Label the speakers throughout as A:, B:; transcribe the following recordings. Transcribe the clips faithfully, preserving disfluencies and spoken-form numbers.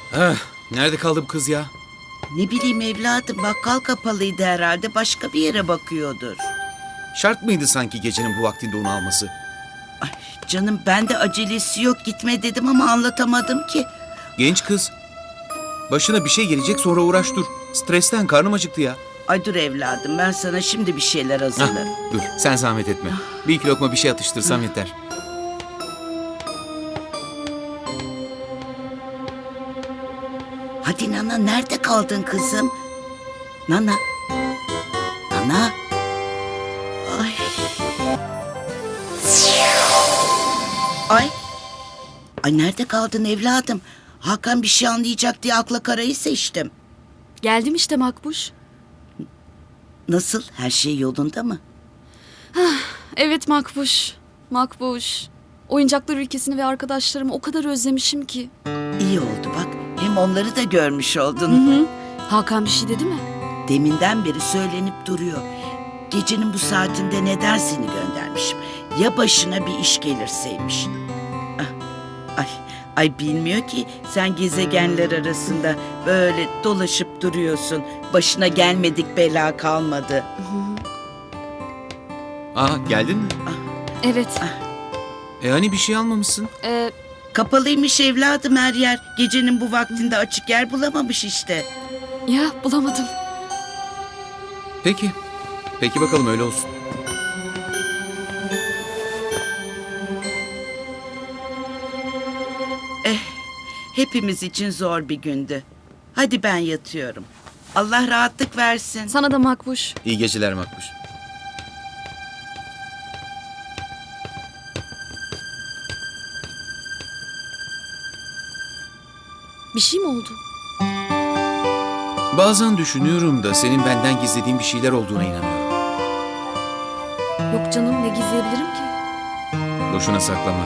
A: Ah, nerede kaldı bu kız ya?
B: Ne bileyim evladım, bakkal kapalıydı herhalde, başka bir yere bakıyordur.
A: Şart mıydı sanki gecenin bu vaktinde onu alması?
B: Ay canım, ben de acelesi yok, gitme dedim ama anlatamadım ki.
A: Genç kız. Başına bir şey gelecek, sonra uğraş dur. Stresten karnım acıktı ya.
B: Ay dur evladım, ben sana şimdi bir şeyler
A: Hah,
B: hazırlarım.
A: dur sen zahmet etme. Bir iki lokma bir şey atıştırsam yeter.
B: Hadi Nana, nerede kaldın kızım? Nana. Nana. Ay. Ay. Ay nerede kaldın evladım? Hakan bir şey anlayacak diye akla karayı seçtim.
C: Geldim işte Makbuş.
B: Nasıl? Her şey yolunda mı?
C: Evet Makbuş. Makbuş. Oyuncaklar ülkesini ve arkadaşlarımı o kadar özlemişim ki.
B: İyi oldu bak. Hem onları da görmüş oldun.
C: Hı hı. Hakan bir şey dedi mi?
B: Deminden beri söylenip duruyor. Gecenin bu saatinde neden seni göndermişim? Ya başına bir iş gelirseymiş. Ah, Ay, ay bilmiyor ki sen gezegenler arasında böyle dolaşıp duruyorsun. Başına gelmedik bela kalmadı.
A: Aa, geldin mi?
C: Evet.
A: E hani bir şey almamışsın?
C: Ee,
B: Kapalıymış evladım her yer. Gecenin bu vaktinde açık yer bulamamış işte.
C: ya bulamadım.
A: Peki. Peki bakalım öyle olsun.
B: Hepimiz için zor bir gündü. Hadi ben yatıyorum. Allah rahatlık versin.
C: Sana da Makbuş.
A: İyi geceler Makbuş.
C: Bir şey mi oldu?
A: Bazen düşünüyorum da senin benden gizlediğin bir şeyler olduğuna inanıyorum.
C: Yok canım, ne gizleyebilirim ki?
A: Boşuna saklama.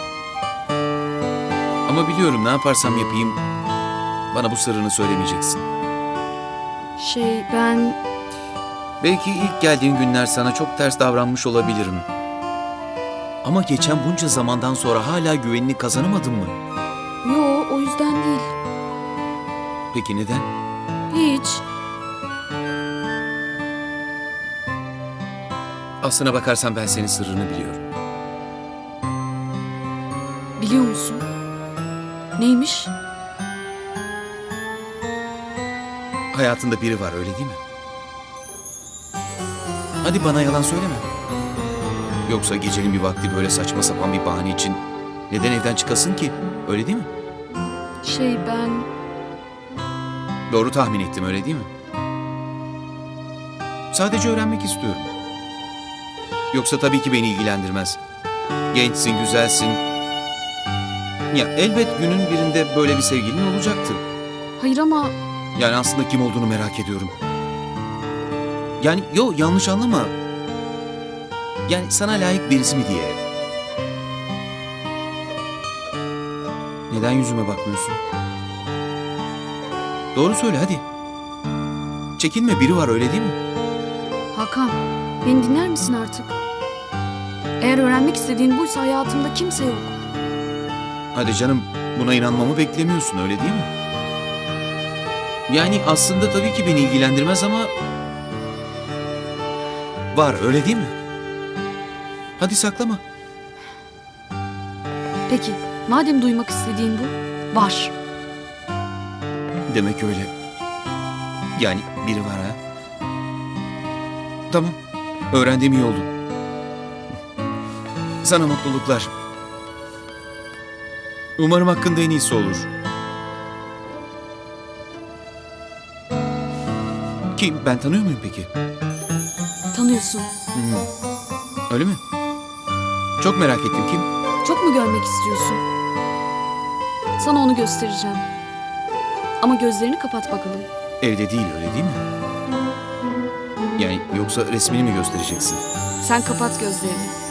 A: Ama biliyorum ne yaparsam yapayım bana bu sırrını söylemeyeceksin.
C: Şey ben...
A: Belki ilk geldiğin günler sana çok ters davranmış olabilirim. Ama geçen bunca zamandan sonra hala güvenini kazanamadın mı?
C: Yo, o yüzden değil.
A: Peki neden?
C: Hiç.
A: Aslına bakarsan ben senin sırrını biliyorum.
C: Biliyor musun? Neymiş?
A: Hayatında biri var öyle değil mi? Hadi bana yalan söyleme. Yoksa gecenin bir vakti böyle saçma sapan bir bahane için neden evden çıkasın ki? Öyle değil mi?
C: Şey ben...
A: Doğru tahmin ettim öyle değil mi? Sadece öğrenmek istiyorum. Yoksa tabii ki beni ilgilendirmez. Gençsin, güzelsin. Ya elbet günün birinde böyle bir sevgilin olacaktı.
C: Hayır ama...
A: Yani aslında kim olduğunu merak ediyorum. Yani yo yanlış anlama. Yani sana layık birisi mi diye. Neden yüzüme bakmıyorsun? Doğru söyle hadi. Çekinme biri var öyle değil mi?
C: Hakan, beni dinler misin artık? Eğer öğrenmek istediğin buysa hayatımda kimse yok.
A: Hadi canım buna inanmamı beklemiyorsun öyle değil mi? Yani aslında tabii ki beni ilgilendirmez ama... Var öyle değil mi? Hadi saklama.
C: Peki, madem duymak istediğin bu, var.
A: Demek öyle. Yani biri var ha. Tamam. Öğrendiğim iyi oldu. Sana mutluluklar. Umarım hakkında en iyisi olur. Kim? Ben tanıyor muyum peki?
C: Tanıyorsun.
A: Hmm. Öyle mi? Çok merak ettim kim?
C: Çok mu görmek istiyorsun? Sana onu göstereceğim. Ama gözlerini kapat bakalım.
A: Evde değil öyle değil mi? Yani yoksa resmini mi göstereceksin?
C: Sen kapat gözlerini.